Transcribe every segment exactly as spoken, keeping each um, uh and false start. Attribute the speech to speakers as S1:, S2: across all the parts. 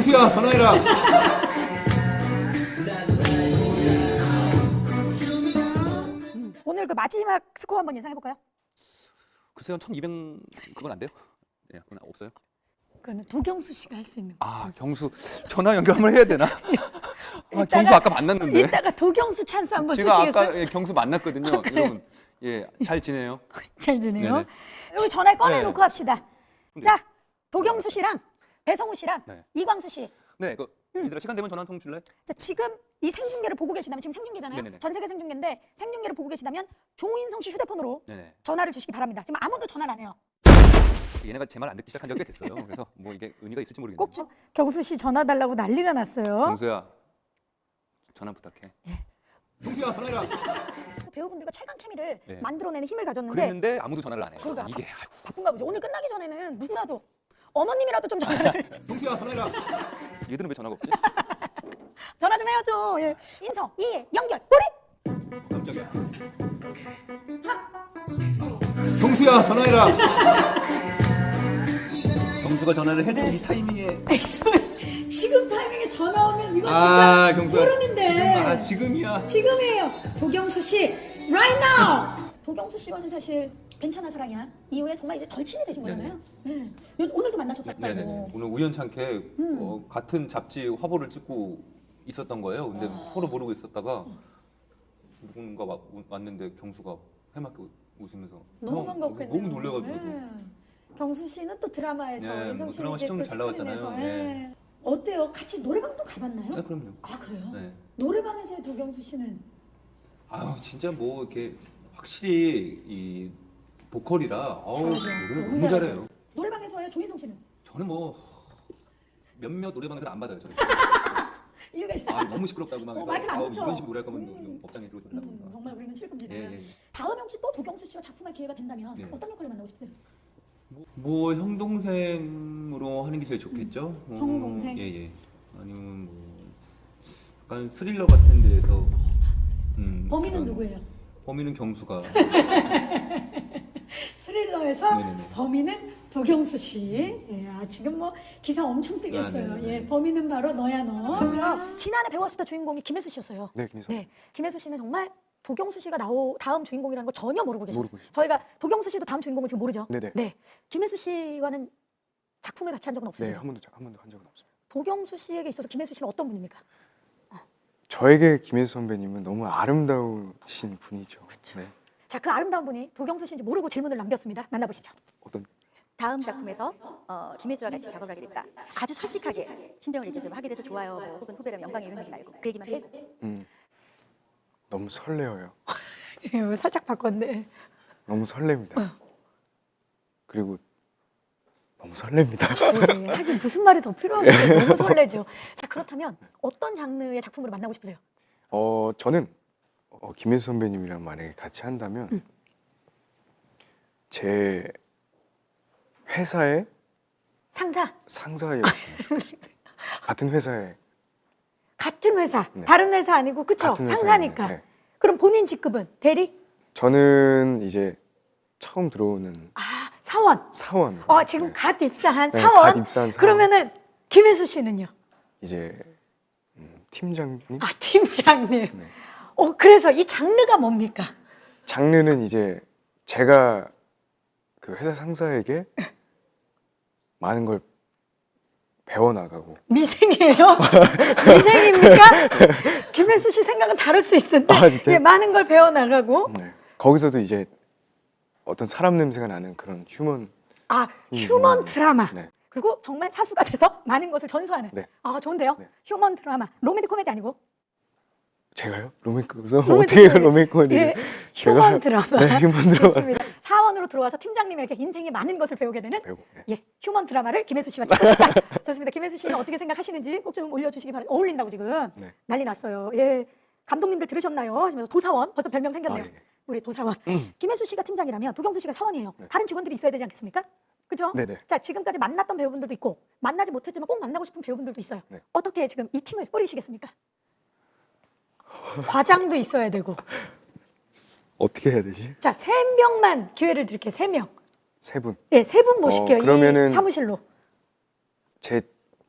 S1: 경수야 전화해라.
S2: 음, 오늘 그 마지막 스코어 한번 예상해볼까요?
S1: 글쎄요, 천이백 그건 안 돼요? 예, 그건 없어요.
S2: 그거는 도경수 씨가 할 수 있는 거.
S1: 아, 경수 전화 연결 한번 해야 되나? 아,
S2: 이따가-
S1: 경수 아까 만났는데.
S2: 이따가 도경수 찬스 한번
S1: 제가
S2: 쓰시겠어요?
S1: 아까 예, 경수 만났거든요. 여러분, 예, 잘 지내요?
S2: 잘 지내요.
S1: 네네.
S2: 여기 전화 꺼내놓고
S1: 네.
S2: 합시다. 자, 도경수 씨랑 배성우 씨랑
S1: 네.
S2: 이광수 씨.
S1: 네, 그
S2: 음.
S1: 얘들아 시간 되면 전화 한 통 줄래?
S2: 자, 지금 이 생중계를 보고 계시다면 지금 생중계잖아요.
S1: 네네네.
S2: 전 세계 생중계인데 생중계를 보고 계시다면 조인성 씨 휴대폰으로
S1: 네네.
S2: 전화를 주시기 바랍니다. 지금 아무도 전화를 안 해요.
S1: 얘네가 제 말 안 듣기 시작한 지가 꽤 됐어요. 그래서 뭐 이게 의미가 있을지 모르겠네요.
S2: 꼭 좀 경수 씨 전화 달라고 난리가 났어요.
S1: 경수야, 전화 부탁해.
S2: 예.
S1: 경수야 전화해라.
S2: 배우분들과 최강 케미를
S1: 네.
S2: 만들어내는 힘을 가졌는데
S1: 그랬는데 아무도 전화를 안 해요.
S2: 그러니까.
S1: 이게 아이고.
S2: 바쁜가 보죠. 오늘 끝나기 전에는 누구라도 어머님이라도 좀 전화를
S1: 경수야 전화해라. 얘들은 왜 전화가 없지?
S2: 전화 좀 해야죠. 예. 인성, 이해, 연결, 우리
S1: 깜짝이야. 경수야 전화해라. 경수가 전화를 해도 이 타이밍에.
S2: 엑소의 지금 타이밍에 전화 오면 이거
S1: 아,
S2: 진짜
S1: 경수야.
S2: 소름인데.
S1: 지금 아 지금이야.
S2: 지금이에요. 도경수 씨, right now. 도경수 씨와는 사실 괜찮아 사랑이야. 이후에 정말 이제 절친이 되신 거잖아요. 네. 요- 오늘도 만나셨다고.
S3: 네네네. 오늘 우연찮게
S2: 음.
S3: 어, 같은 잡지 화보를 찍고 있었던 거예요. 근데
S2: 아.
S3: 서로 모르고 있었다가 누군가 와- 왔는데 경수가 해맑게 웃으면서
S2: 너무
S3: 형,
S2: 반갑겠네요.
S3: 너무 놀래가지고 저도.
S2: 네. 경수 씨는 또 드라마에서
S3: 네,
S2: 인성
S3: 뭐
S2: 씨는
S3: 드라마
S2: 이제
S3: 시청률
S2: 또
S3: 잘 나왔잖아요.
S2: 스크린에서,
S3: 네.
S2: 예. 어때요? 같이 노래방도 가봤나요?
S3: 네, 그럼요.
S2: 아 그래요?
S3: 네.
S2: 노래방에서의 도경수 씨는
S3: 아유 진짜 뭐 이렇게 확실히 이 보컬이라 아우
S2: 잘하죠.
S3: 노래
S2: 너무
S3: 너무
S2: 잘하죠.
S3: 잘해요.
S2: 노래방에서의 조인성 씨는
S3: 저는 뭐 몇몇 노래방에서 안 받아요. 저는.
S2: 이유가 있어요.
S3: 아, 너무 시끄럽다고 막
S2: 어,
S3: 해서
S2: 마이크를 안
S3: 아우,
S2: 붙여.
S3: 이런 식으로 노래할 거면
S2: 음.
S3: 법장에 들어오려고
S2: 음,
S3: 해서.
S2: 정말 우리는 출금지다.
S3: 예, 예.
S2: 다음에 혹시 또 도경수 씨와 작품할 기회가 된다면
S3: 네.
S2: 어떤 역할을 만나고 싶으세요?
S3: 뭐, 뭐 형 동생으로 하는 게 제일 좋겠죠.
S2: 음, 형 동생?
S3: 예예. 아니면 뭐 약간 스릴러 같은 데에서. 음,
S2: 범인은
S3: 약간
S2: 누구예요?
S3: 범인은 경수가.
S2: 스릴러에서
S3: 네네네.
S2: 범인은 도경수 씨. 예, 아, 지금 뭐 기사 엄청 뜨겠어요.
S3: 아, 네네네.
S2: 예, 범인은 바로 너야 너. 지난해 배웠수다 주인공이 김혜수 씨였어요.
S4: 네, 김희수.
S2: 네, 김혜수 씨는 정말 도경수 씨가 나오 다음 주인공이라는 거 전혀 모르고 계셨어요.
S4: 모르고 있어요.
S2: 저희가 도경수 씨도 다음 주인공을 지금 모르죠.
S4: 네네.
S2: 네, 김혜수 씨와는 작품을 같이 한 적은
S4: 네,
S2: 없으시죠?
S4: 한 번도 한 번도 한 적은 없습니다.
S2: 도경수 씨에게 있어서 김혜수 씨는 어떤 분입니까?
S4: 저에게 김혜수 선배님은 너무 아름다우신 분이죠. 네.
S2: 자, 그 아름다운 분이 도경수 씨인지 모르고 질문을 남겼습니다. 만나보시죠.
S4: 어떤
S5: 다음 작품에서 어, 김혜수와 같이 작업을 하게 됐다. 아주 솔직하게 신정을 얘기해서 하게 돼서 좋아요. 뭐, 혹은 후배라면 영광이 이런 얘기 말고 그 얘기만 해.
S4: 음, 너무 설레어요.
S2: 예, 살짝 바꿨네.
S4: 너무 설렙니다. 그리고 너무 설렙니다.
S2: 그렇지. 하긴 무슨 말이 더 필요하겠어요. 너무 설레죠. 자, 그렇다면 어떤 장르의 작품으로 만나고 싶으세요?
S4: 어, 저는 어, 김혜수 선배님이랑 만약에 같이 한다면
S2: 음.
S4: 제 회사의
S2: 상사,
S4: 상사였으면 좋겠어요. 같은 회사에
S2: 같은 회사,
S4: 네.
S2: 다른 회사 아니고 그쵸?
S4: 같은 회사에
S2: 상사니까.
S4: 있는, 네.
S2: 그럼 본인 직급은 대리?
S4: 저는 이제 처음 들어오는
S2: 아, 사원.
S4: 사원.
S2: 어, 지금 갓 입사한
S4: 네,
S2: 사원.
S4: 갓 입사한 사원.
S2: 그러면은 김혜수 씨는요?
S4: 이제 음, 팀장님.
S2: 아, 팀장님.
S4: 네.
S2: 어, 그래서 이 장르가 뭡니까?
S4: 장르는 이제 제가 그 회사 상사에게 많은 걸 배워나가고.
S2: 미생이에요? 미생입니까? 김혜수 씨 생각은 다를 수 있는데
S4: 아, 진짜요?
S2: 예, 많은 걸 배워나가고
S4: 네. 거기서도 이제 어떤 사람 냄새가 나는 그런 휴먼.
S2: 아, 휴먼
S4: 음,
S2: 드라마.
S4: 네.
S2: 그리고 정말 사수가 돼서 많은 것을 전수하는.
S4: 네.
S2: 아, 좋은데요?
S4: 네.
S2: 휴먼 드라마. 로맨틱 코미디 아니고.
S4: 제가요? 로맨크서
S2: 로맨틱
S4: 어떻게
S2: 코미디.
S4: 로맨 코미디?
S2: 예, 휴먼 드라마.
S4: 네, 휴먼 드라마.
S2: 좋습니다. 사원으로 들어와서 팀장님에게 인생의 많은 것을 배우게 되는
S4: 배우고. 네.
S2: 예, 휴먼 드라마를 김혜수 씨와 찍고 싶다. 좋습니다. 김혜수 씨는 어떻게 생각하시는지 꼭 좀 올려주시기 바랍니다. 어울린다고 지금
S4: 네.
S2: 난리 났어요. 예, 감독님들 들으셨나요? 하시면서 도사원 벌써 별명 생겼네요.
S4: 아, 예.
S2: 우리 도사원. 김혜수 씨가 팀장이라면 도경수 씨가 사원이에요.
S4: 네.
S2: 다른 직원들이 있어야 되지 않겠습니까? 그죠?
S4: 네네.
S2: 자, 지금까지 만났던 배우분들도 있고 만나지 못했지만 꼭 만나고 싶은 배우분들도 있어요.
S4: 네.
S2: 어떻게 지금 이 팀을 뿌리시겠습니까? 과장도 있어야 되고.
S4: 어떻게 해야 되지?
S2: 자, 세 명만 기회를 드릴게요. 세 명.
S4: 세 분.
S2: 예, 세 분 모실게요.
S4: 어, 그러면은-
S2: 이 사무실로.
S4: 제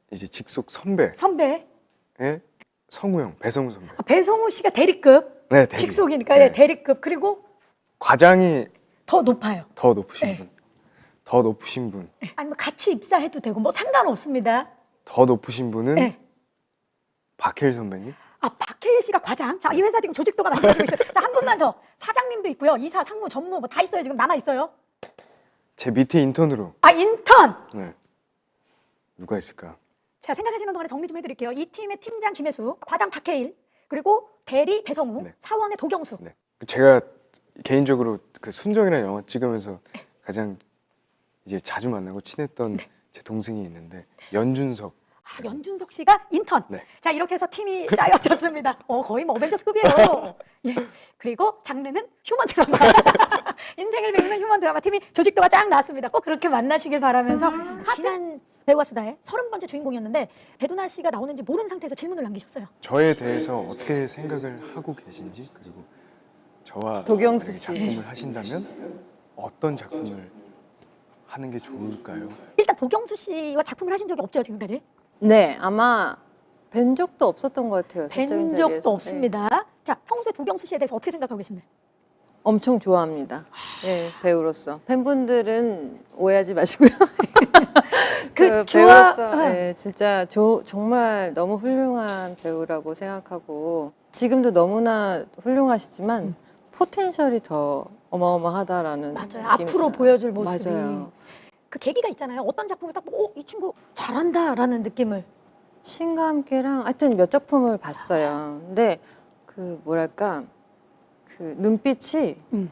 S4: 이제 직속 선배의
S2: 선배.
S4: 성우 형, 배성우 선배.
S2: 아, 배성우 씨가 대리급.
S4: 네, 대리.
S2: 직속이니까
S4: 네.
S2: 예, 대리급. 그리고
S4: 과장이
S2: 더 높아요.
S4: 더 높으신
S2: 네.
S4: 분, 더 높으신 분,
S2: 아니면 같이 입사해도 되고 뭐 상관없습니다.
S4: 더 높으신 분은
S2: 네.
S4: 박해일 선배님.
S2: 아, 박해일 씨가 과장. 자, 이 회사 지금 조직도가 만들어지고 있어요. 자, 한 분만 더. 사장님도 있고요. 이사, 상무, 전무 뭐 다 있어요. 지금 남아 있어요.
S4: 제 밑에 인턴으로.
S2: 아, 인턴.
S4: 네. 누가 있을까?
S2: 자, 생각하시는 동안에 정리 좀 해드릴게요. 이 팀의 팀장 김혜수, 과장 박해일, 그리고 대리 배성우,
S4: 네.
S2: 사원의 도경수.
S4: 네. 제가 개인적으로 그 순정이라는 영화 찍으면서 가장 이제 자주 만나고 친했던 제 동생이 있는데 연준석.
S2: 아, 연준석 씨가 인턴.
S4: 네.
S2: 자, 이렇게 해서 팀이 짜여졌습니다. 어, 거의 뭐 어벤져스급이에요. 예. 그리고 장르는 휴먼 드라마. 인생을 배우는 휴먼 드라마 팀이 조직도가 쫙 나왔습니다. 꼭 그렇게 만나시길 바라면서 지난 배우와 수다의 서른 번째 주인공이었는데 배두나 씨가 나오는지 모르는 상태에서 질문을 남기셨어요.
S4: 저에 대해서 어떻게 생각을 하고 계신지, 그리고 저와
S6: 도경수
S4: 만약에
S6: 씨.
S4: 작품을 하신다면 어떤 작품을 하는 게 좋을까요?
S2: 일단 도경수 씨와 작품을 하신 적이 없죠, 지금까지?
S6: 네, 아마 뵌 적도 없었던 것 같아요.
S2: 된
S6: 사적인
S2: 적도
S6: 자리에서.
S2: 없습니다.
S6: 네.
S2: 자, 평소에 도경수 씨에 대해서 어떻게 생각하고 계신가요?
S6: 엄청 좋아합니다. 예, 배우로서. 팬분들은 오해하지 마시고요.
S2: 그
S6: 그
S2: 좋아-
S6: 배우로서
S2: 어.
S6: 예, 진짜 조, 정말 너무 훌륭한 배우라고 생각하고 지금도 너무나 훌륭하시지만
S2: 음.
S6: 포텐셜이 더 어마어마하다라는
S2: 맞아요.
S6: 느낌이
S2: 앞으로
S6: 들어요.
S2: 보여줄 모습이.
S6: 맞아요.
S2: 그 계기가 있잖아요. 어떤 작품을 딱 보고 어, 이 친구 잘한다라는 느낌을.
S6: 신과 함께랑 하여튼 몇 작품을 봤어요. 근데 그 뭐랄까 그 눈빛이
S2: 음.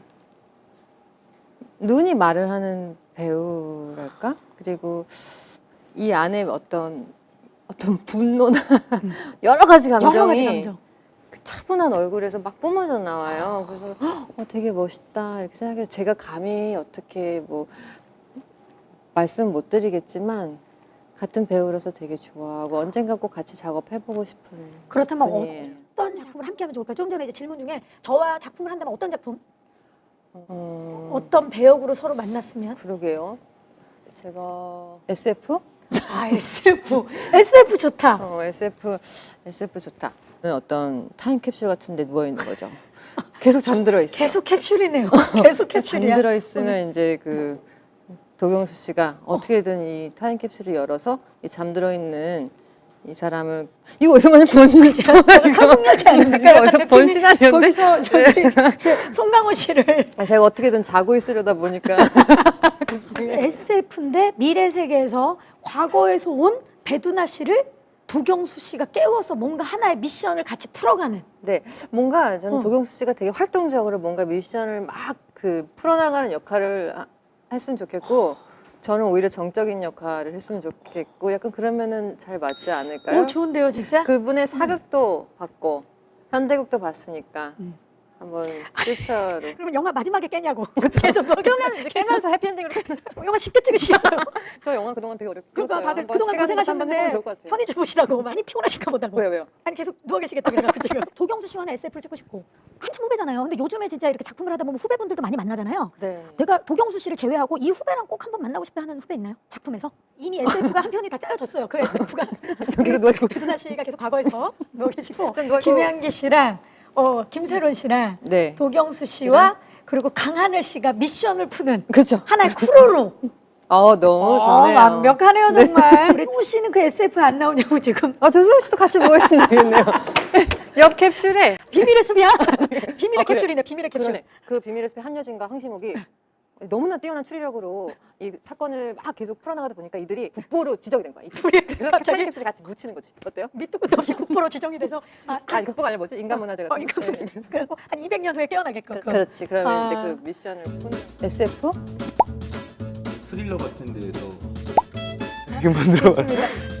S6: 눈이 말을 하는 배우랄까? 그리고 이 안에 어떤 어떤 분노나 여러 가지
S2: 여러 가지
S6: 감정이
S2: 감정.
S6: 그 차분한 얼굴에서 막 뿜어져 나와요. 그래서 어, 되게 멋있다 이렇게 생각해서 제가 감히 어떻게 뭐 말씀 못 드리겠지만 같은 배우로서 되게 좋아하고 언젠가 꼭 같이 작업해보고 싶은
S2: 그렇다면
S6: 분이에요.
S2: 어떤 작품을 함께 하면 좋을까요? 좀 전에 이제 질문 중에 저와 작품을 한다면 어떤 작품?
S6: 어,
S2: 어떤 배역으로 서로 만났으면?
S6: 그러게요. 제가 에스에프?
S2: 아, 에스에프. 에스에프 좋다.
S6: 어, 에스에프, 에스에프 좋다. 어떤 타임캡슐 같은 데 누워있는 거죠. 계속 잠들어 있어요.
S2: 계속 캡슐이네요. 계속 캡슐이야.
S6: 잠들어 있으면 이제 그 도경수 씨가 어떻게든 이 타임캡슐을 열어서 이 잠들어 있는 이 사람을 이거 어디서 많이 본
S2: 설국열차 아닙니까?
S6: 이거 어디서 본 시나리오인데
S2: 거기서 저기 그 송강호 씨를
S6: 아, 제가 어떻게든 자고 있으려다 보니까
S2: 에스에프인데 미래 세계에서 과거에서 온 배두나 씨를 도경수 씨가 깨워서 뭔가 하나의 미션을 같이 풀어가는.
S6: 네, 뭔가 저는
S2: 어.
S6: 도경수 씨가 되게 활동적으로 뭔가 미션을 막 그 풀어나가는 역할을 하- 했으면 좋겠고 저는 오히려 정적인 역할을 했으면 좋겠고 약간 그러면은 잘 맞지 않을까요?
S2: 오, 좋은데요, 진짜?
S6: 그분의 사극도 봤고 현대극도 봤으니까
S2: 음.
S6: 한번 퓨처로
S2: 그러면 영화 마지막에 깨냐고. 계속 너
S6: 깨면 깨면서 해피엔딩으로
S2: 영화 쉽게 찍으시겠어요?
S6: 저 영화 그동안 되게 어렵게
S2: 그러니까
S6: 찍었어요.
S2: 다들
S6: 한번
S2: 그동안
S6: 시간 한번 해보면
S2: 고생하셨는데
S6: 좋을 것 같아요.
S2: 편히 주무시라고 많이 피곤하실까 보다고.
S6: 왜요 왜요?
S2: 아니 계속 누워 계시겠다 그래가지고 지금 도경수 씨와는 에스에프를 찍고 싶고 한참 후배잖아요. 근데 요즘에 진짜 이렇게 작품을 하다 보면 후배분들도 많이 만나잖아요.
S6: 네.
S2: 내가 도경수 씨를 제외하고 이 후배랑 꼭 한번 만나고 싶다 하는 후배 있나요? 작품에서? 이미 에스에프가 한 편이 다 짜여졌어요. 그 에스에프가
S6: 계속 누워 있고.
S2: 배두나 씨가 계속 과거에서 누워 계시고
S6: 일단 누워 있고.
S2: 김혜한기 씨랑 어, 김세론 씨랑
S6: 네.
S2: 도경수 씨와 그리고 강하늘 씨가 미션을 푸는
S6: 그렇죠.
S2: 하나의 크루로
S6: 어 너무
S2: 어,
S6: 좋네요.
S2: 완벽하네요 정말. 우리 후 씨는 그 에스에프에 안 나오냐고 지금.
S6: 아 조수호 씨도 같이 누워 있으면 되겠네요. 옆 캡슐에
S2: 비밀의 숲이야? 비밀의
S6: 아, 그래.
S2: 캡슐이네 비밀의 캡슐.
S6: 그러네. 그 비밀의 숲의 한여진과 황시목이 너무나 뛰어난 추리력으로 이 사건을 막 계속 풀어나가다 보니까 이들이 국보로 지정이 된 거야.
S2: 둘이
S6: 그래서
S2: 갑자기
S6: 타임캡슐이 같이 묻히는 거지. 어때요?
S2: 밑도 끝도 없이 국보로 지정이 돼서 아,
S6: 아니 국보가 아니라 뭐지? 인간문화재
S2: 어,
S6: 같은
S2: 이거
S6: 거. 네.
S2: 그래서 한 이백 년 후에 깨어나게끔.
S6: 그, 그렇지. 그러면
S2: 아.
S6: 이제 그 미션을 푸는 에스에프?
S3: 스릴러 같은 데서
S4: 이렇게 만들어.
S2: 좋습니다.